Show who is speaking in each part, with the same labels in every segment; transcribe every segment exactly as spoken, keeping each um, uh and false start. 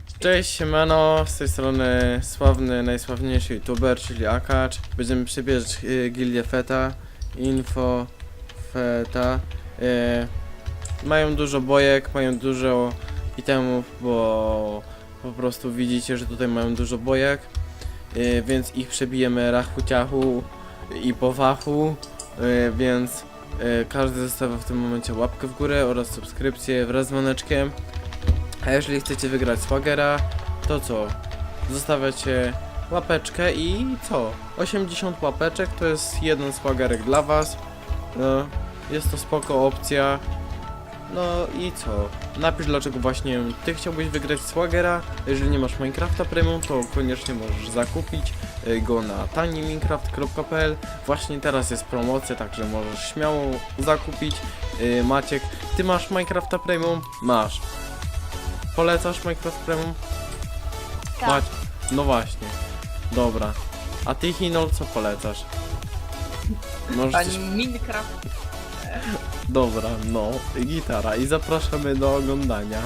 Speaker 1: Cześć, siemano, z tej strony sławny, najsławniejszy youtuber, czyli Akacz. Będziemy przebierać y, gildię Feta, Info, Feta. Y, mają dużo bojek, mają dużo itemów, bo po prostu widzicie, że tutaj mają dużo bojek. Y, więc ich przebijemy rachu ciachu i po fachu, y, więc y, każdy zostawia w tym momencie łapkę w górę oraz subskrypcję wraz z dzwoneczkiem. A jeżeli chcecie wygrać Swagera, to co? Zostawiacie łapeczkę i co? osiemdziesiąt łapeczek to jest jeden Swagerek dla was. No, jest to spoko opcja. No i co? Napisz, dlaczego właśnie ty chciałbyś wygrać Swagera. Jeżeli nie masz Minecrafta Premium, to koniecznie możesz zakupić go na tani minecraft kropka p l. Właśnie teraz jest promocja, także możesz śmiało zakupić. Maciek, ty masz Minecrafta Premium? Masz. Polecasz Minecraft Premium?
Speaker 2: Tak.
Speaker 1: Mać. No właśnie. Dobra. A ty, Hinol, co polecasz? Możesz coś...
Speaker 2: Pani Minecraft.
Speaker 1: Dobra, no. Gitara. I zapraszamy do oglądania.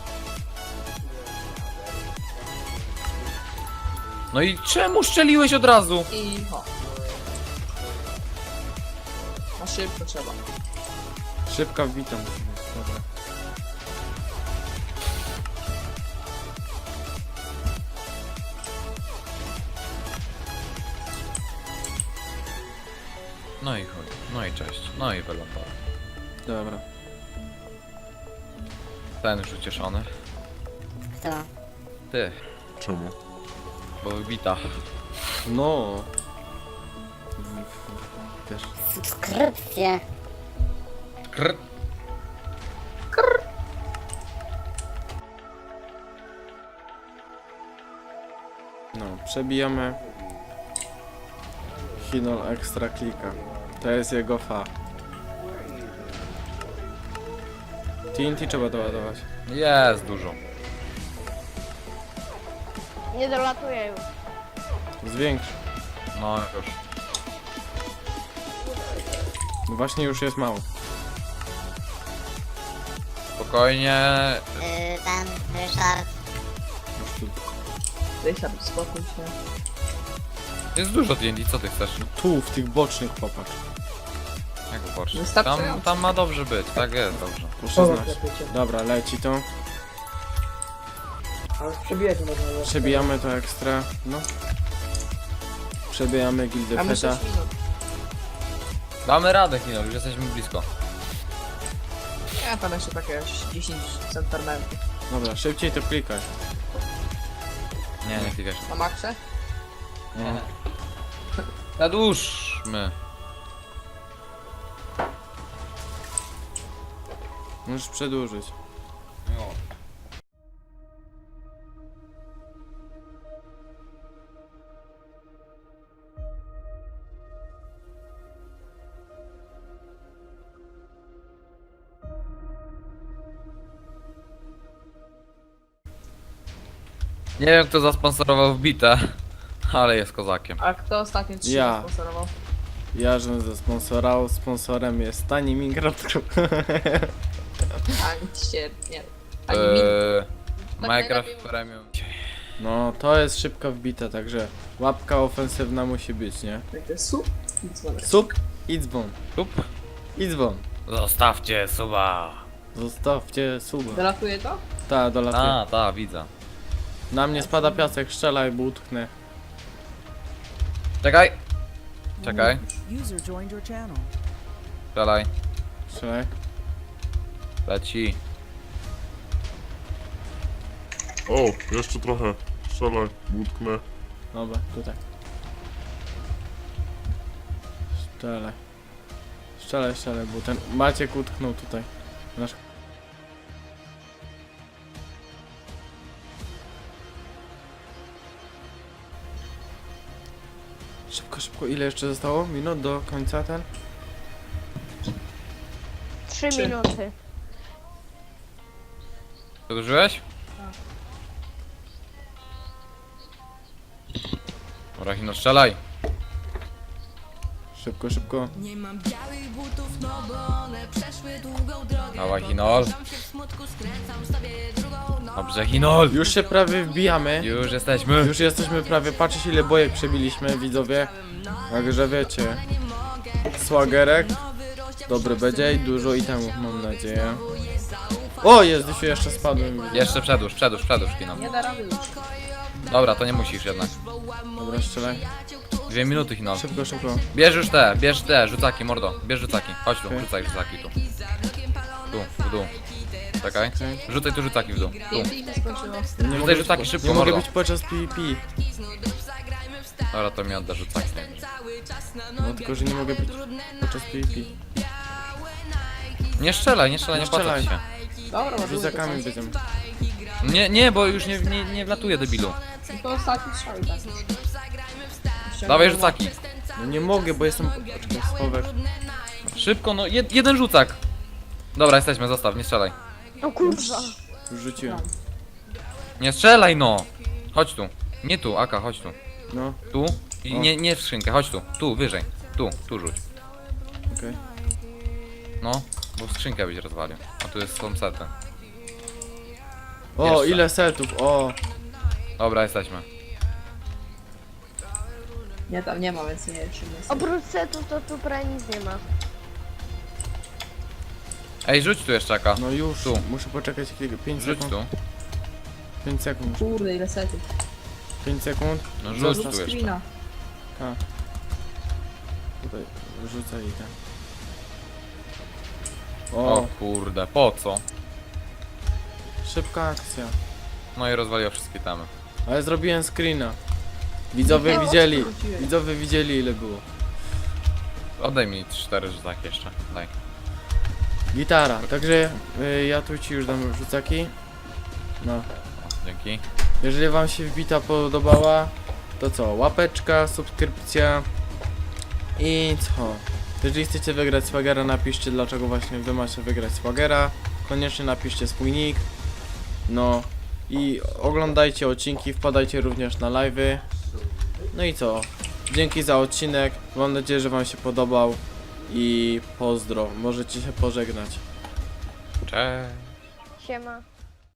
Speaker 3: No i czemu szczeliłeś od razu?
Speaker 2: I ho. Na szybko trzeba.
Speaker 1: Szybka witam. Dobra.
Speaker 3: No i chuj, no i cześć, no i wylądował.
Speaker 1: Dobra.
Speaker 3: Ten już ucieszony.
Speaker 4: Kto?
Speaker 3: Ty,
Speaker 5: Czemu?
Speaker 3: bo wybita.
Speaker 1: No. Wiesz.
Speaker 4: Subskrypcje.
Speaker 3: Krr.
Speaker 1: No, przebijamy. Hinol ekstra klika. To jest jego fa. T N T trzeba doładować.
Speaker 3: Jest dużo.
Speaker 2: Nie dolatuję już.
Speaker 1: Zwiększ.
Speaker 3: No już.
Speaker 1: No właśnie już jest mało.
Speaker 3: Spokojnie.
Speaker 4: Yy, ten Ryszard.
Speaker 1: Już tu.
Speaker 2: Ryszard, spokój się.
Speaker 3: Jest dużo D and D, co ty chcesz?
Speaker 1: Tu, w tych bocznych chłopak.
Speaker 3: Jak popatrz. Tam,
Speaker 2: Wystarczająco.
Speaker 3: tam ma dobrze być, tak jest, dobrze.
Speaker 1: Proszę znać. Dobra, leci to.
Speaker 2: Ale przebijać można.
Speaker 1: Przebijamy to ekstra. No. Przebijamy gildię
Speaker 2: Mamy
Speaker 1: Feta.
Speaker 2: sześć minut.
Speaker 3: Damy radę, Hino, już jesteśmy blisko.
Speaker 2: Ja tam jeszcze takie dziesięć centymetrów.
Speaker 1: Dobra, szybciej to klikaj.
Speaker 3: Nie, nie klikaj.
Speaker 2: Na maksie?
Speaker 1: No.
Speaker 3: Zadłużmy.
Speaker 1: Możesz przedłużyć.
Speaker 3: No. Nie wiem, kto zasponsorował wbite, ale jest kozakiem.
Speaker 2: A kto ostatnio trzy
Speaker 1: Ja.
Speaker 2: sponsorował?
Speaker 1: Ja, żebym zasponsorał, sponsorem jest tani Minecraft.
Speaker 2: Ani się, nie. Ani min.
Speaker 3: Eee,
Speaker 2: Tak
Speaker 3: Minecraft
Speaker 2: najlepiej-
Speaker 3: Premium.
Speaker 1: No, to jest szybko wbita, także łapka ofensywna musi być, nie?
Speaker 2: Takie sup i dzwonek.
Speaker 1: Sub i dzwon.
Speaker 3: Tup.
Speaker 1: I dzwon.
Speaker 3: Zostawcie suba.
Speaker 1: Zostawcie suba.
Speaker 2: Dolatuje to?
Speaker 1: Ta, dolatuje.
Speaker 3: A, ta, widzę.
Speaker 1: Na mnie spada piasek, strzelaj, bo utknę.
Speaker 3: Czekaj. Czekaj.
Speaker 6: User joined your channel.
Speaker 3: Strzelaj.
Speaker 1: Strzelaj.
Speaker 3: Leci.
Speaker 5: O, jeszcze trochę. Strzelaj, utknę.
Speaker 1: Dobra, tutaj. Strzelaj. Strzelaj, strzelaj, bo ten Maciek utknął tutaj. Nasz... Szybko, szybko. Ile jeszcze zostało? Minut do końca ten?
Speaker 7: Trzy
Speaker 2: Trzy.
Speaker 7: minuty.
Speaker 3: Przedłużyłeś? Dobra, Hino, strzelaj.
Speaker 1: Szybko, szybko.
Speaker 6: Nie mam białych butów, no bo one przeszły długą drogę.
Speaker 3: Dawaj, Hinol.
Speaker 6: Poruszam się w smutku, skręcam sobie drugą nogę.
Speaker 3: Dobrze, Hinol.
Speaker 1: Już się prawie wbijamy.
Speaker 3: Już jesteśmy.
Speaker 1: Już jesteśmy prawie, patrzcie ile bojek przebiliśmy, widzowie. Także wiecie. Słagerek. Dobry będzie i dużo itemów, mam nadzieję. O, jest, już jeszcze spadłem.
Speaker 3: Jeszcze przedłuż, przedłuż, przedłuż, Hinol.
Speaker 2: Nie da rady już.
Speaker 3: Dobra, to nie musisz jednak.
Speaker 1: Dobra, strzelaj.
Speaker 3: Dwie minuty, Hinol.
Speaker 1: Szybko, szybko.
Speaker 3: Bierz już te, bierz te, rzucaki, mordo. Bierz rzucaki. Chodź tu,
Speaker 1: Okej.
Speaker 3: rzucaj rzucaki tu. Tu, w dół. Czekaj.
Speaker 1: Okej.
Speaker 3: Rzucaj tu rzucaki w dół. Tu.
Speaker 2: Pięknie się skończyło.
Speaker 1: Nie
Speaker 3: Rzucaj
Speaker 1: mogę
Speaker 3: rzucaki
Speaker 1: być,
Speaker 3: szybko,
Speaker 1: nie mogę
Speaker 3: mordo.
Speaker 1: być podczas PvP.
Speaker 3: Dobra, to mi odda rzucaki.
Speaker 1: No tylko, że nie mogę być podczas PvP.
Speaker 3: Nie strzelaj, nie strzelaj, nie
Speaker 1: Nie
Speaker 3: płacę ci się.
Speaker 2: Dobra, może
Speaker 1: Rzucakami będziemy.
Speaker 3: Nie, nie, bo już nie, nie, nie wlatuje, debilu.
Speaker 2: To ostatni strzał i tak. Jeszcze
Speaker 3: Dawaj
Speaker 2: nie
Speaker 3: rzucaki.
Speaker 1: No nie mogę, bo jestem... Poczekaj, schowek.
Speaker 3: Szybko, no jed, jeden rzucak. Dobra, jesteśmy, zostaw, nie strzelaj.
Speaker 4: O kurwa.
Speaker 1: Już rzuciłem.
Speaker 3: Nie strzelaj, no. Chodź tu. Nie tu, Aka, chodź tu.
Speaker 1: No,
Speaker 3: Tu. I
Speaker 1: O.
Speaker 3: nie, nie w skrzynkę, chodź tu. Tu, wyżej. Tu, tu rzuć.
Speaker 1: okej.
Speaker 3: No, bo w skrzynkę byś rozwalił. A tu jest są sety.
Speaker 1: O,
Speaker 3: Jeszcze.
Speaker 1: ile setów, o.
Speaker 3: Dobra, jesteśmy.
Speaker 2: Nie, tam nie ma, więc nie wiem, czym jest.
Speaker 7: Oprócz setów to tu prawie nic nie ma.
Speaker 3: Ej, rzuć tu jeszcze, Aka.
Speaker 1: No już,
Speaker 3: Tu.
Speaker 1: muszę poczekać pięć
Speaker 3: Rzuć
Speaker 1: sekund.
Speaker 3: tu.
Speaker 1: pięć sekund.
Speaker 2: Kurde, ile setów.
Speaker 1: pięć sekund.
Speaker 3: No rzuć
Speaker 1: Zostaw
Speaker 3: tu jeszcze.
Speaker 2: Screena.
Speaker 1: A. Tutaj rzucaj i ten.
Speaker 3: O
Speaker 1: O,
Speaker 3: kurde, po co?
Speaker 1: szybka akcja.
Speaker 3: No i rozwaliła wszystkie tamy.
Speaker 1: Ale zrobiłem screena. Widzowie
Speaker 2: Nie,
Speaker 1: widzieli.
Speaker 2: odwróciłem.
Speaker 1: Widzowie widzieli ile było.
Speaker 3: Oddaj mi cztery rzucaki jeszcze. Daj.
Speaker 1: Gitara. Także y, ja tu ci już dam rzucaki. No.
Speaker 3: O, dzięki.
Speaker 1: Jeżeli wam się wbita podobała, to co? Łapeczka, subskrypcja i co? Jeżeli chcecie wygrać Swagera, napiszcie dlaczego właśnie wy macie wygrać Swagera. Koniecznie napiszcie swój nick. No i oglądajcie odcinki, wpadajcie również na live'y. No i co? Dzięki za odcinek. Mam nadzieję, że wam się podobał. I pozdro. Możecie się pożegnać.
Speaker 3: Cześć.
Speaker 7: Siema.